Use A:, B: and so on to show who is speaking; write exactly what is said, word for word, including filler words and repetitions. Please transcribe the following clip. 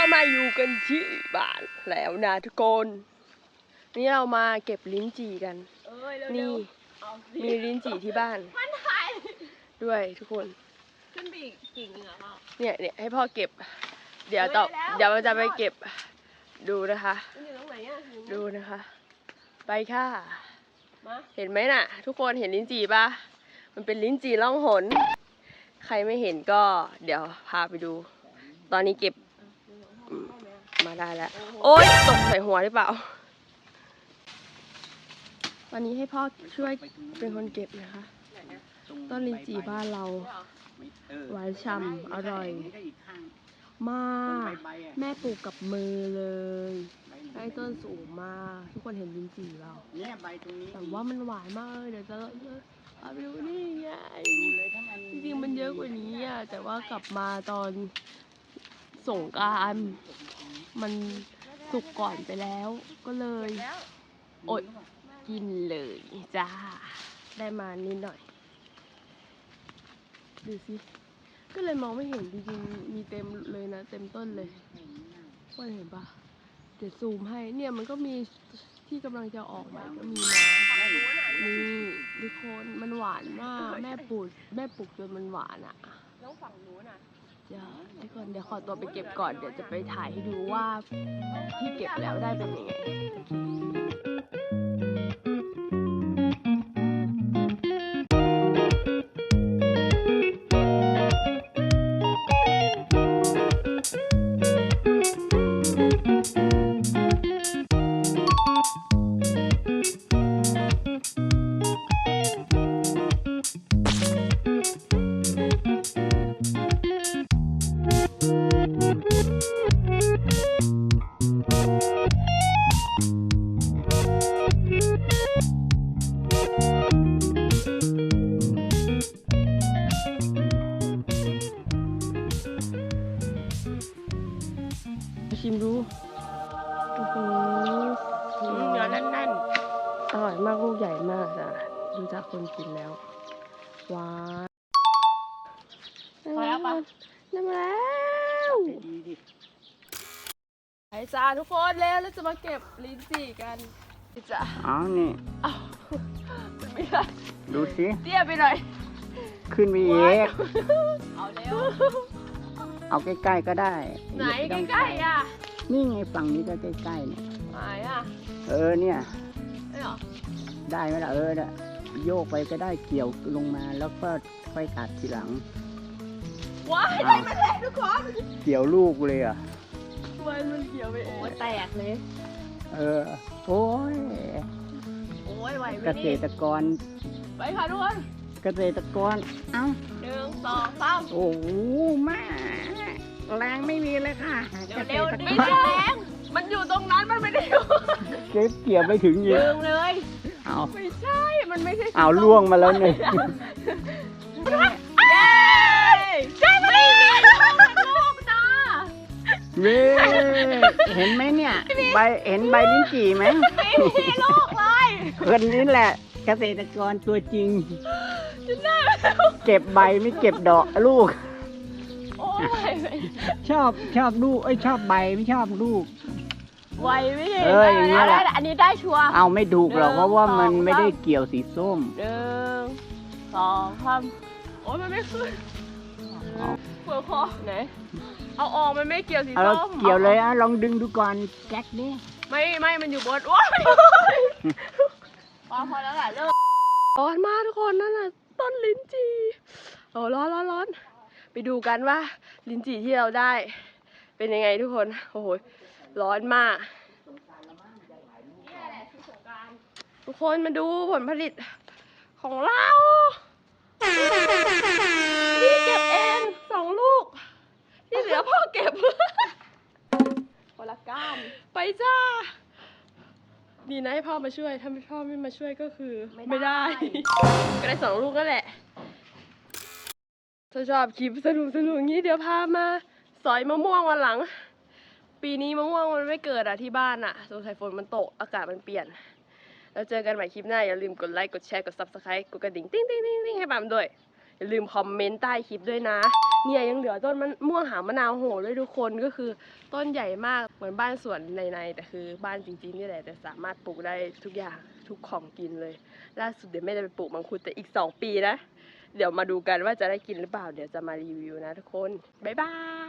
A: มาอยู่กันที่บ้านแล้วนะทุกคนนี่เรามาเก็บลิ้นจี่กันนี่มีลิ้นจี่ที่บ้านด้วยทุกคนขึ้นไปอีกกิ่งนึงเหรอพ่อเนี่ยเนี่ยให้พ่อเก็บเดี๋ยวต่อเดี๋ยวเราจะไปเก็บดูนะคะดูนะคะไปค่ะเห็นไหมน่ะทุกคนเห็นลิ้นจี่ปะมันเป็นลิ้นจี่ล่องหนใครไม่เห็นก็เดี๋ยวพาไปดูตอนนี้เก็บมาได้แล้วโอ๊ยตกใส่หัวหรือเปล่าตอนนี้ให้พ่อช่วยเป็นคนเก็บนะคะต้นลิ้นจี่บ้านเราหวานฉ่ำอร่อยมากแม่ปลูกกับมือเลยใต้ต้นสูงมากทุกคนเห็นลิ้นจี่เราแต่ว่ามันหวานมากเดี๋ยวจะเอาไปดูนี่ไงจริงๆมันเยอะกว่านี้อ่ะแต่ว่ากลับมาตอนสงกรานต์มันสุกก่อนไปแล้วก็เลยอดกินเลยจ้าได้มานิดหน่อยดูสิก็เลยมองไม่เห็นจริงๆมีเต็มเลยนะเต็มต้นเลยว่าเห็นปะเดี๋ยวซูมให้เนี่ยมันก็มีที่กำลังจะออกใหม่ก็มีนะนี่ทุกคนมันหวานมากแม่ปลูกแม่ปลูกจนมันหวานอ่ะแล้วฝั่งนู้นอ่ะเดี๋ยวทุกคนเดี๋ยวขอตัวไปเก็บก่อนเดี๋ยวจะไปถ่ายให้ดูว่าที่เก็บแล้วได้เป็นยังไงชิมดูโอ้โหเนื้อแน่นๆอร่อยมากลูกใหญ่มากจ้ะดูจากคนกินแล้วหวานพอแล้วปะน้ำแล้วไปจ้าทุกคนแล้วเราจะมาเก็บลิ้นจี่กันจ้ะ
B: อ๋อนี่
A: อ้าวไม่ได้
B: ดูสิ
A: เตี้ยไปหน่อย
B: ขึ้นไปเอง
A: เอาเร็ว
B: เอาใกล้ๆก็ได้
A: ไหนใกล้ๆอ่ะ
B: นี่ไงฝั่งนี้ก็ใกล้ๆเนี่ย
A: ไหนอ่ะ
B: เออเนี่ย
A: ได้หรอ
B: ได้ไหมล่ะเออเนี่ยโยกไปก็ได้เกี่ยวลงมาแล้วก็ค่อยตัดทีหลัง
A: ว้ายได้มาแล้วทุกคน
B: เกี่ยวลูกเลยอ่ะ
A: มันมันเกี่ยวไปโอ้แตกเลย
B: เออโอ้ย
A: โอ้ยไหวไหม
B: เกษตรกร
A: ไปค่ะทุกคน
B: เกษตรกรเอ้า
A: หนึ่งสองสาม
B: โอ้โหมาแรงไม่มีเลยค่ะ
A: เร็วๆไม่แรงมันอยู่ตรงนั้นมันไม่ได้อยู่
B: เก็บเกี่ยวไปถึงยื
A: นเลย
B: เอา
A: ไม่ใช่มันไม่ใช่
B: เอาล่วงมาแล้วเนี่ย
A: ใช่ไหมลูกจ้า
B: เว้เห็นไหมเนี่ยใบเห็นใบลิ้นจี่ไหม
A: ไม่มีลูกเลย
B: คนนี้แหละเกษตรกรตัวจริงเก็บใบไม่เก็บดอกลูกชอบชอบลูกเอ้ยชอบใบไม่ชอบลูก
A: ไวไม่เห็น
B: เอออย่างนี้แหละ
A: อันนี้ได้ชัวร์
B: เอาไม่ถูกหรอกเพราะว่ามันไม่ได้เกี่ยวสีส้ม
A: หนึ่งสองสามโอ้ยมันไม่ขึ้นเปลือกคอไหนเอาออกมันไม่เกี่ยวสีส้ม
B: เกี่ยวเลยอ่ะลองดึงดูก่อนแก๊กนี่
A: ไม่ไม่มันอยู่บนโอ้ยพอพอแล้วแหละเลิกร้อนมากทุกคนนั่นน่ะต้นลิ้นจี่โอ้ร้อนร้อนร้อนไปดูกันว่าลิ้นจี่ที่เราได้เป็นยังไงทุกคนโอ้โหร้อนมากทุกคนมาดูผลผลิตของเราพี่เก็บเองสองลูกที่เหลือพ่อเก็บคนละก้านไปจ้าดีนะให้พ่อมาช่วยถ้าไม่พ่อไม่มาช่วยก็คือไม่ได้ก็ได้สองลูกนั่นแหละถ้าชอบคลิปสนุกสนุกอย่างนี้เดี๋ยวพามาสอยมะม่วงวันหลังปีนี้มะม่วงมันไม่เกิดอะที่บ้านอะสงสัยฝนมันตกอากาศมันเปลี่ยนแล้วเจอกันใหม่คลิปหน้าอย่าลืมกดไลค์กดแชร์กดซับสไครต์กดกระดิ่งติ้งติ้งติ้งติ้งให้ปั๊มด้วยอย่าลืมคอมเมนต์ใต้คลิปด้วยนะเนี่ยยังเหลือต้นมันม่วงหางมะนาวโหด้วยทุกคนก็คือต้นใหญ่มากเหมือนบ้านสวนในๆแต่คือบ้านจริงๆนี่แหละแต่สามารถปลูกได้ทุกอย่างทุกของกินเลยล่าสุดเดี๋ยวแม่จะไปปลูกมังคุดแต่อีกสองปีนะเดี๋ยวมาดูกันว่าจะได้กินหรือเปล่าเดี๋ยวจะมารีวิวนะทุกคนบ๊ายบาย